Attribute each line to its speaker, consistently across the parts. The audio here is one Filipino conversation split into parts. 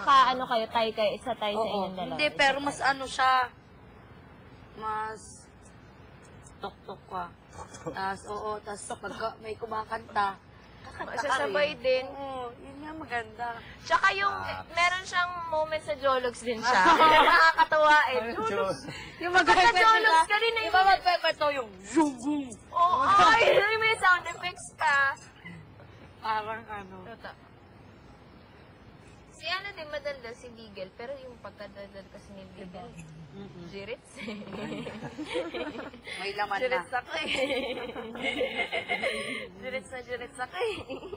Speaker 1: magkakaano kayo, tayo sa inyong dalawa.
Speaker 2: Hindi, pero mas ano siya, mas tok-tok ka. Tapos pagka may kumakanta,
Speaker 1: Sasabay din.
Speaker 2: Oo, yun nga maganda.
Speaker 1: Tsaka yung, meron siyang moment sa Jologs din siya. Nakakatawa eh.
Speaker 2: Yung
Speaker 1: Jologs ka rin eh.
Speaker 2: Di ba magpepeto yung zoom boom?
Speaker 1: Oo, ay, may sound effects ka.
Speaker 2: Parang ano.
Speaker 1: Si ano din madaldal, si Bigel. Pero yung pagkadaldal kasi ni Bigel, Jirits eh.
Speaker 2: May laman na.
Speaker 1: Jirits ako eh. Jirits ako eh.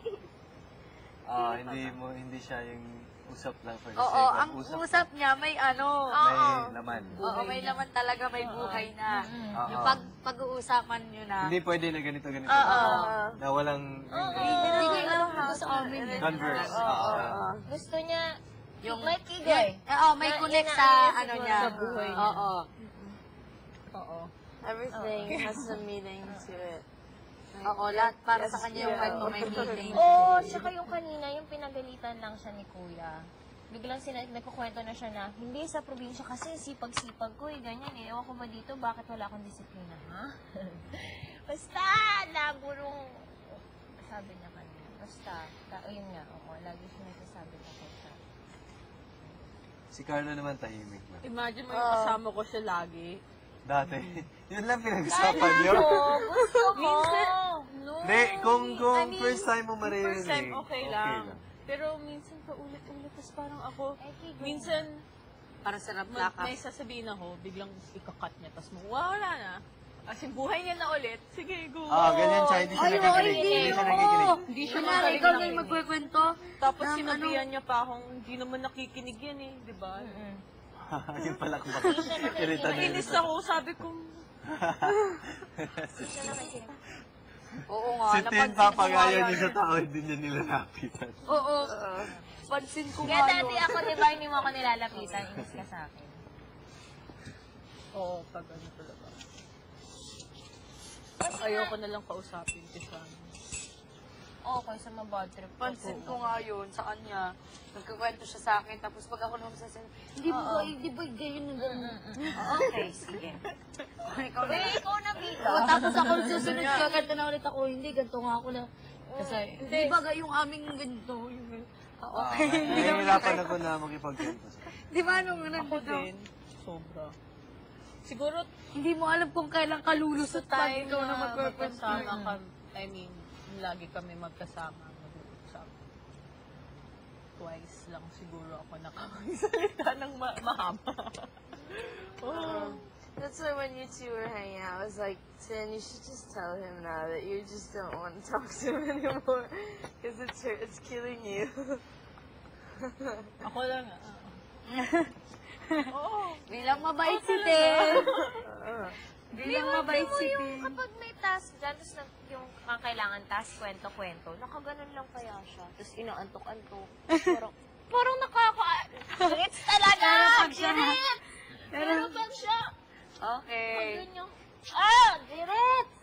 Speaker 3: Hindi siya yung usap lang for the
Speaker 2: Oo,
Speaker 3: sake
Speaker 2: ang
Speaker 3: of
Speaker 2: usap niya may ano.
Speaker 3: may laman.
Speaker 2: Oo, may laman talaga, may buhay na.
Speaker 3: Oo.
Speaker 2: Yung pag-uusapan nyo na.
Speaker 3: Hindi pwede na ganito. Na walang
Speaker 2: Hindi ko alam dito sa amin.
Speaker 3: converse.
Speaker 1: Gusto niya,
Speaker 2: Yung
Speaker 1: may kigay.
Speaker 2: Oo, may connect sa ano niya.
Speaker 1: Sa buhay niya.
Speaker 2: Oo.
Speaker 4: Everything has a meaning to it.
Speaker 2: Oo, lahat para sa kanya yung kwento may meaning.
Speaker 1: Oo, tsaka yung kanina, yung pinagalitan lang siya ni Kuya. Biglang nagkukwento na siya na, hindi sa probinsya kasi sipag-sipag ko eh, ganyan eh. Ewan ko ba dito, bakit wala akong disiplina, ha? Basta, nagurong, sabi niya kanina. Basta, yun nga, lagi siya nagsasabi na kay siya.
Speaker 3: Si Carlo naman tahimik na.
Speaker 4: Imagine mo yung kasama ko siya lagi.
Speaker 3: Dati. Yun lang pinag-usapan niyo.
Speaker 1: Gusto ko!
Speaker 3: Hindi, kung first time mo maririnig.
Speaker 4: First time okay lang. Pero minsan pa ulit-ulit, tapos parang ako, minsan,
Speaker 2: Para sa plaka.
Speaker 4: may sasabihin ako, biglang ikakat niya, tapos wala na. As in, buhay niya na ulit. Sige, go.
Speaker 3: Ganyan siya. Hindi siya nakikinig. Hindi siya nakikinig.
Speaker 4: Hindi siya
Speaker 2: Kunwari, ikaw na yung magkukwento.
Speaker 4: Tapos sinabihan niya pa akong, hindi naman nakikinig yan eh, di ba?
Speaker 3: Yun pala kung bakit. Irita na
Speaker 4: Nainis ako, sabi ko,
Speaker 2: Oo nga,
Speaker 3: Si Tin,
Speaker 2: napansin ko
Speaker 3: papagayan
Speaker 2: nga
Speaker 3: niya
Speaker 2: yun.
Speaker 3: sa tao, hindi niya nilalapitan.
Speaker 2: Oo. Pansin ko
Speaker 1: Kaya
Speaker 2: nga
Speaker 1: dati
Speaker 2: yun.
Speaker 1: ako, di ba, hindi mo ako nilalapitan, inis ka sa akin.
Speaker 4: oo, pag ano talaga. Ayoko na lang kausapin kasi
Speaker 1: Okay, sa mabad trip ko.
Speaker 2: Pansin ko nga yun sa kanya. Nagkakwento siya sa akin, tapos pag ako naman sasabihin, hindi ba ganyan na gano'n? Okay, sige. Ikaw na.
Speaker 1: Ikaw na, Bita.
Speaker 2: Tapos ako susunod ka, ganito na ulit ako, hindi, ganito nga ako na. Kasi, di ba yung aming ganito? Okay, hindi naman.
Speaker 3: Nahihirapan ako na makipagkwento.
Speaker 2: Di ba nung
Speaker 4: ako
Speaker 2: nandito?
Speaker 4: din, sobra. Siguro,
Speaker 2: Hindi mo alam kung kailan kalulusot pag
Speaker 4: time
Speaker 2: ikaw na
Speaker 4: na
Speaker 2: magpapasama.
Speaker 4: magkasama kami, I mean, lagi kami magkasama, mag-uusap. Twice lang siguro ako nakapagsalita ng mahaba.
Speaker 5: That's why when you two were hanging out, I was like, Tin, you should just tell him now that you just don't want to talk to him anymore. Because it's killing you.
Speaker 4: Ako lang,
Speaker 2: Bilang mabait si Tin. Bilang mabait si
Speaker 1: Yung
Speaker 2: Tin.
Speaker 1: kapag may task dyan, tapos yung kailangan task, kwento-kwento, nakaganon lang kaya siya. Tapos inaantok-antok. Parang Jirits talaga! Jirits! Pero pag siya,
Speaker 2: Okay.
Speaker 1: ganyan, Jirits!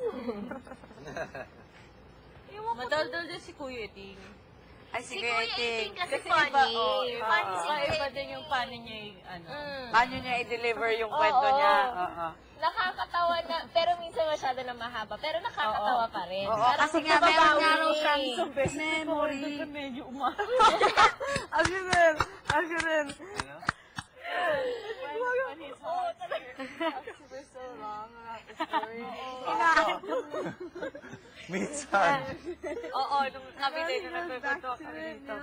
Speaker 4: madaldal din si Kuya Ting.
Speaker 2: Ay,
Speaker 1: Si
Speaker 2: sige,
Speaker 1: Kuya
Speaker 2: Ting.
Speaker 1: Iting kasi
Speaker 4: Kasi
Speaker 1: funny.
Speaker 4: iba,
Speaker 1: Funny si
Speaker 4: iba
Speaker 1: Kuya
Speaker 4: din yung paano niya, ano.
Speaker 2: Paano niya i-deliver yung kwento niya? Oo.
Speaker 1: Nakakatawa na, pero minsan masyado na mahaba. Pero nakakatawa pa rin.
Speaker 2: Oo,
Speaker 1: Parang
Speaker 2: kasi nga meron
Speaker 1: nababawi
Speaker 2: nga raw
Speaker 1: eh.
Speaker 2: siyang memory.
Speaker 4: Medyo umarap.
Speaker 5: Ako rin. Ako rin. We're so long about the story.
Speaker 3: Minsan.
Speaker 2: Oo, nung kami din, nung nagkwento kami dito.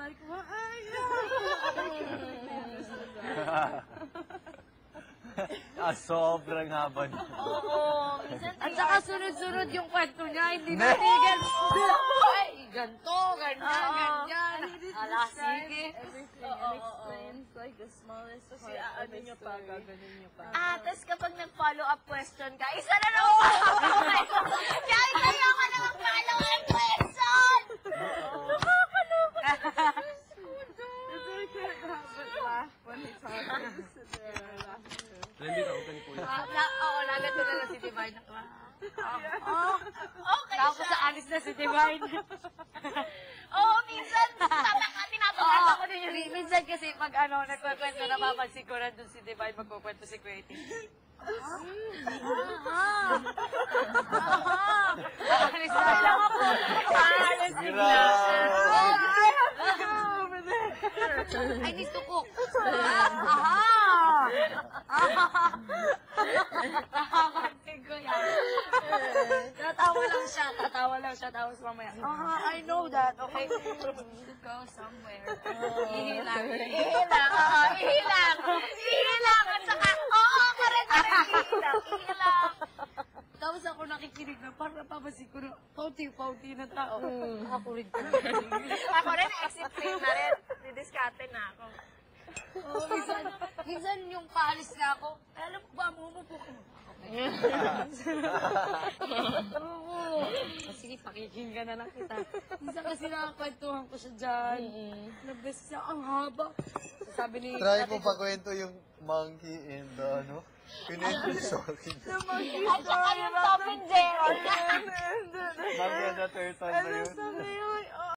Speaker 3: Sobrang haba niya.
Speaker 1: Oo, minsan
Speaker 2: At saka sunod-sunod yung kwento niya, hindi na tigil. Ay, ganto, ganyan. Ala, sige.
Speaker 5: Explains like the smallest
Speaker 4: Kasi
Speaker 5: part of
Speaker 4: ano
Speaker 5: the
Speaker 4: niya pa,
Speaker 5: story.
Speaker 4: gaganon niya pa.
Speaker 1: tapos kapag nag-follow up question ka, isa na lang ako. Kahit ayoko na mag-follow up question!
Speaker 5: I can't help but laugh when he talks. I just sit there and I laugh too.
Speaker 2: Oo, nagato na lang si Divine.
Speaker 1: Okay
Speaker 2: Tapos
Speaker 1: siya.
Speaker 2: alis na si Divine.
Speaker 1: Oo, minsan, tinatakot
Speaker 2: Ako din yun. Minsan kasi pag nagkukwento, napapansin ko rin doon si Divine magkukwento si Kuwait. Alis na lang ako. Alis bigla. I need to cook. Nakapansin ko yan. Tatawa lang siya. Tapos mamaya, I know that. Okay. To go somewhere. Ihilang. At saka, correct. Ihilang. Tapos ako nakikinig na parang napapansin ko na pauti na tao. Ako rin.
Speaker 1: Ako rin, exit frame na rin. Didiskarte na ako.
Speaker 2: Minsan yung paalis na ako, alam mo ba, mumupo ko. Sige, pakikinggan na lang kita. Minsan kasi nakakwentuhan ko siya dyan. Nag-best siya, ang haba. Sabi ni...
Speaker 3: Try mo pa kwento yung monkey and ano? Pinento sa akin.
Speaker 1: At saka yung Tom and Jerry.
Speaker 3: Monkey and the turtle na yun.
Speaker 5: Sabi yun,